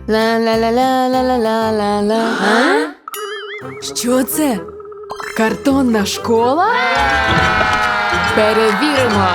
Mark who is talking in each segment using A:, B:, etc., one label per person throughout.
A: Ла-ла-ла-ла-ла-ла-ла-ла. А? Що це? Картонна школа? Перевіримо.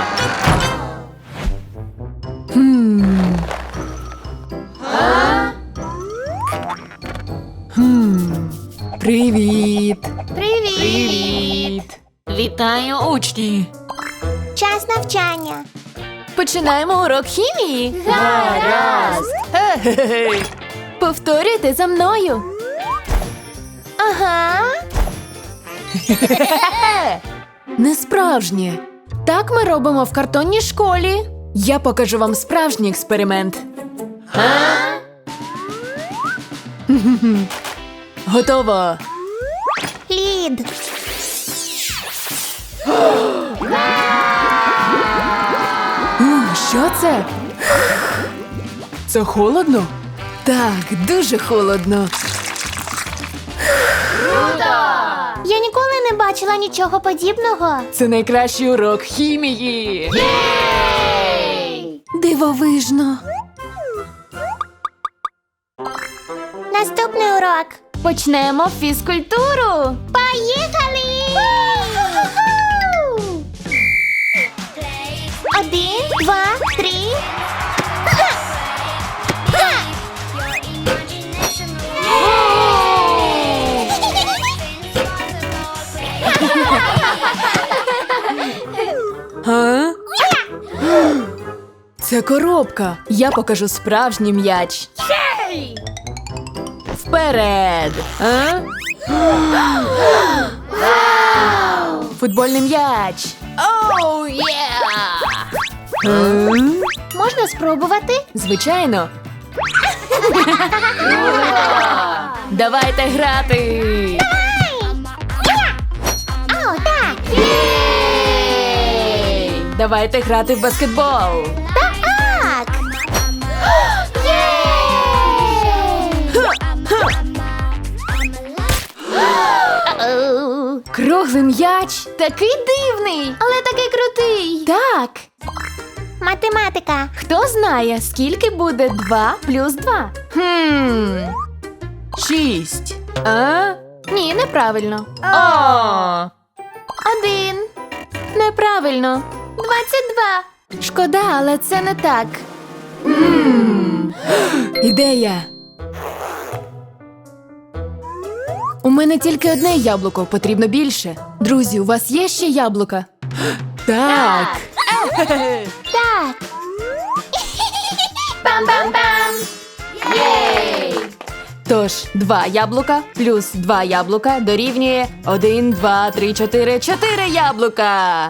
A: Привіт.
B: Привіт!
C: Вітаю, учні!
B: Час навчання.
A: Починаємо урок хімії.
B: Гаразд.
A: Ге-ге-ге. Повторюйте за мною.
B: Ага.
A: Не справжнє. Так ми робимо в картонній школі. Я покажу вам справжній експеримент. Готово.
B: Лід.
A: Що це? Це холодно? Так, дуже холодно.
B: Я ніколи не бачила нічого подібного.
A: Це найкращий урок хімії. Дивовижно.
B: Наступний урок.
A: Почнемо фізкультуру.
B: Поїхали! Один, два, три.
A: Га? Це коробка. Я покажу справжній м'яч. Вперед! А? Футбольний м'яч. Оу, є!
B: Можна спробувати?
A: Звичайно. Давайте грати.
B: О, так!
A: Давайте грати в баскетбол.
B: Так! Оу.
A: Круглий м'яч. Такий дивний. Але такий крутий. Так.
B: Математика.
A: Хто знає, скільки буде 2 плюс 2? 6. А? Ні, неправильно. О! 1. Неправильно. 22. Шкода, але це не так. Ідея. У мене тільки одне яблуко, потрібно більше. Друзі, у вас є ще яблука? Так.
B: Так. Пам-пам-пам. Єй!
A: Тож, 2 яблука плюс 2 яблука дорівнює 1, 2, 3, 4, 4 яблука.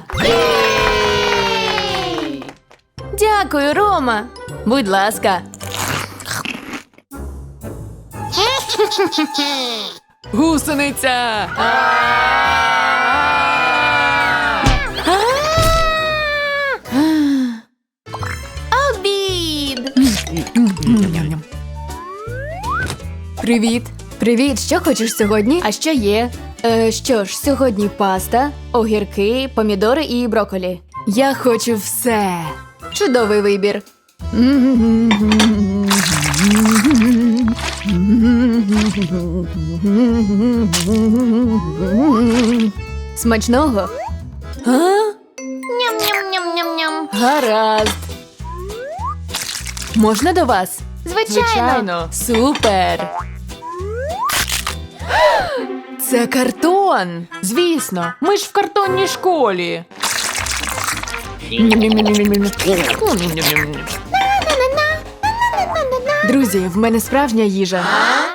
A: Дякую, Рома. Будь ласка. Гусениця.
B: Обід.
A: Привіт. Привіт, що хочеш сьогодні? А що є? Що ж, сьогодні паста, огірки, помідори і брокколі. Я хочу все. Чудовий вибір. Смачного? А?
B: Ням-ням-ням-ням-ням.
A: Гаразд. Можна до вас?
B: Звичайно.
A: Супер. Це картон. Звісно, ми ж в картонній школі. Друзі, в мене справжня їжа.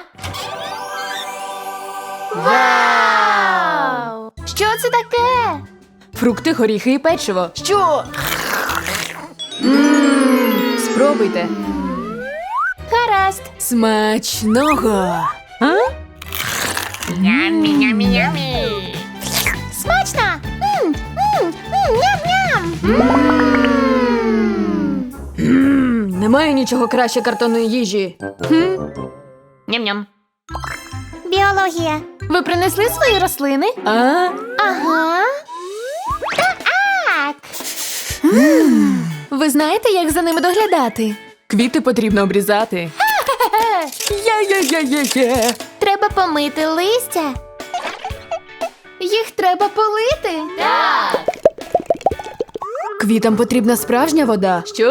B: Вау! Що це таке?
A: Фрукти, горіхи і печиво. Що? Спробуйте.
B: Гаразд.
A: Смачного. А?
B: Смачно! Ням-ням!
A: Немає нічого краще картонної їжі.
C: Ням-ням.
B: Біологія.
A: Ви принесли свої рослини?
B: Ага. Так.
A: Ви знаєте, як за ними доглядати? Квіти потрібно обрізати. Є-є-є-є-є-є.
B: Треба помити листя.
A: Їх треба полити.
B: Так.
A: Квітам потрібна справжня вода. Що?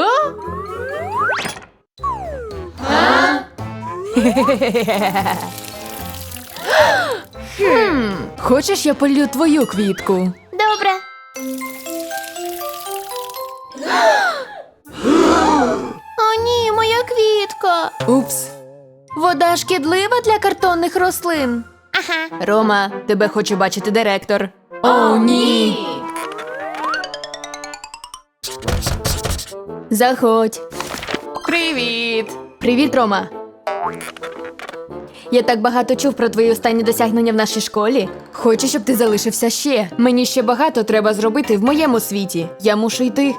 A: Хочеш, я полью твою квітку?
B: Добре. О, ні, моя квітка.
A: Упс. Вода шкідлива для картонних рослин.
B: Ага.
A: Рома, тебе хоче бачити директор. О, ні. Заходь. Привіт. Привіт, Рома. Я так багато чув про твої останні досягнення в нашій школі. Хочу, щоб ти залишився ще. Мені ще багато треба зробити в моєму світі. Я мушу йти.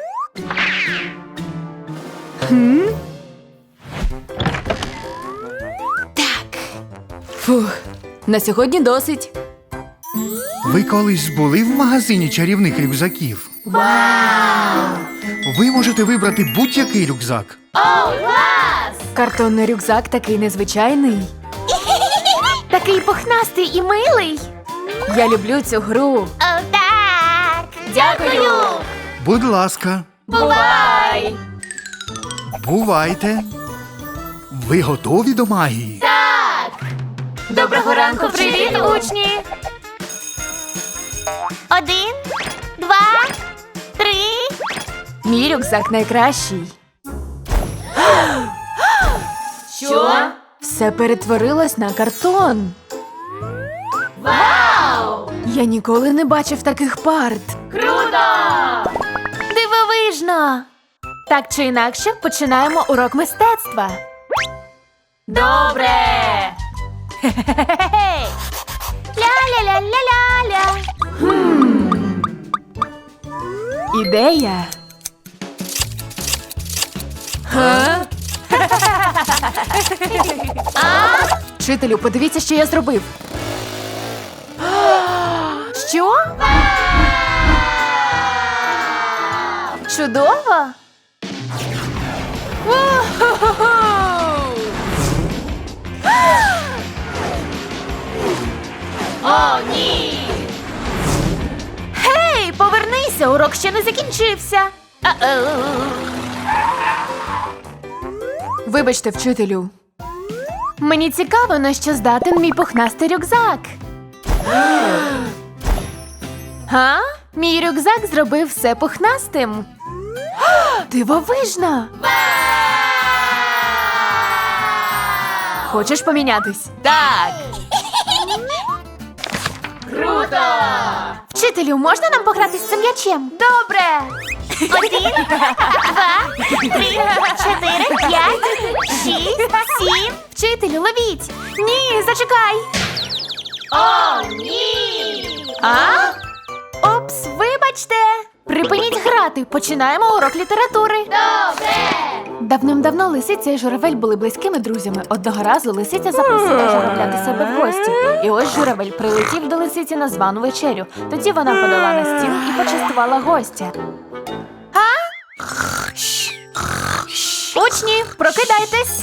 A: Так. Фух. На сьогодні досить.
D: Ви колись були в магазині чарівних рюкзаків? Вау! Ви можете вибрати будь-який рюкзак.
A: Картонний рюкзак такий незвичайний.
B: Такий пухнастий і милий.
A: Я люблю цю гру.
B: О, так. Дякую.
D: Будь ласка,
A: Бувай!
D: бувайте. Ви готові до магії?
A: Доброго ранку,
B: Привіт, учні. 1, 2, 3.
A: Мій рюкзак найкращий.
B: Що?
A: Все перетворилось на картон.
B: Вау!
A: Я ніколи не бачив таких парт.
B: Круто!
A: Дивовижно! Так чи інакше, починаємо урок мистецтва.
B: Добре! Ля-ля-ля-ля-ля-ля.
A: Ідея. Га? Вчителю, подивіться, що я зробив. Що? Чудово!
B: О, ні!
A: Гей, повернися, урок ще не закінчився. Вибачте, вчителю. Мені цікаво, на що здатен мій пухнастий рюкзак. Га? Мій рюкзак зробив все пухнастим. Дивовижно! Хочеш помінятись? Так!
B: Круто!
A: Вчителю, можна нам пограти з цим м'ячем? Добре!
B: 1, 2, 3, 4, 5, 6, 7.
A: Вчителю, ловіть! Ні, зачекай!
B: О, ні!
A: А? Опс, вибачте! Припиніть грати, починаємо урок літератури.
B: Добре!
A: Давним-давно лисиця і журавель були близькими друзями. Одного разу лисиця запросила журавля до себе в гості. І ось журавель прилетів до лисиці на звану вечерю. Тоді вона подала на стіл і почастувала гостя. Учні, прокидайтесь!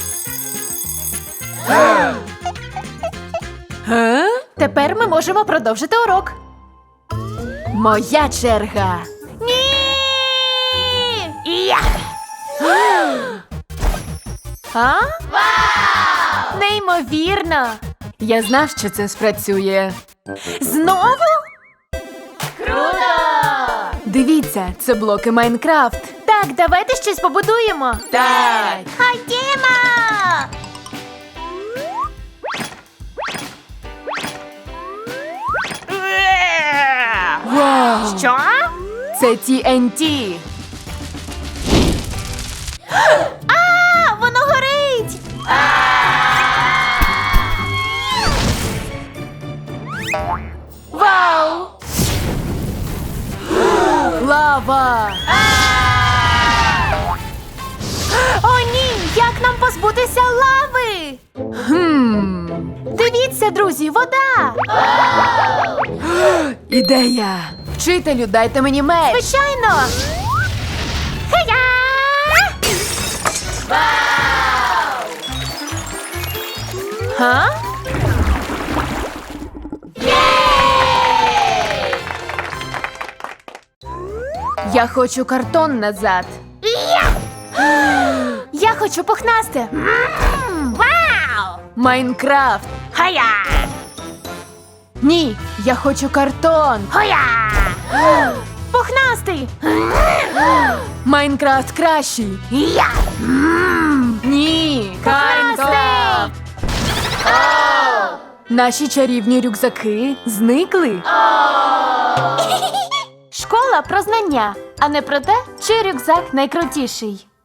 A: Тепер ми можемо продовжити урок. Моя черга.
B: Ні! Я!
A: А? Неймовірно! Я знав, що це спрацює. Знову?
B: Круто!
A: Дивіться, це блоки Майнкрафт. Так, давайте щось побудуємо. Так.
B: Ходімо!
A: Вау!
B: Що?
A: Це TNT.
B: А, воно горить!
A: Вау! Лава!
B: О, ні! Як нам позбутися лави?
A: Дивіться, друзі, вода! Ідея! Вчителю, дайте мені меч!
B: Звичайно! Хея!
A: Га? Я хочу картон назад.
B: Я хочу пухнасте. Вау!
A: Майнкрафт.
B: Хая!
A: Ні, я хочу картон.
B: Хоя! Пухнастий!
A: Майнкрафт кращий.
B: Я!
A: Ні,
B: Пухнастий!
A: Наші чарівні рюкзаки зникли.
B: Школа про знання, а не про те, чий рюкзак найкрутіший.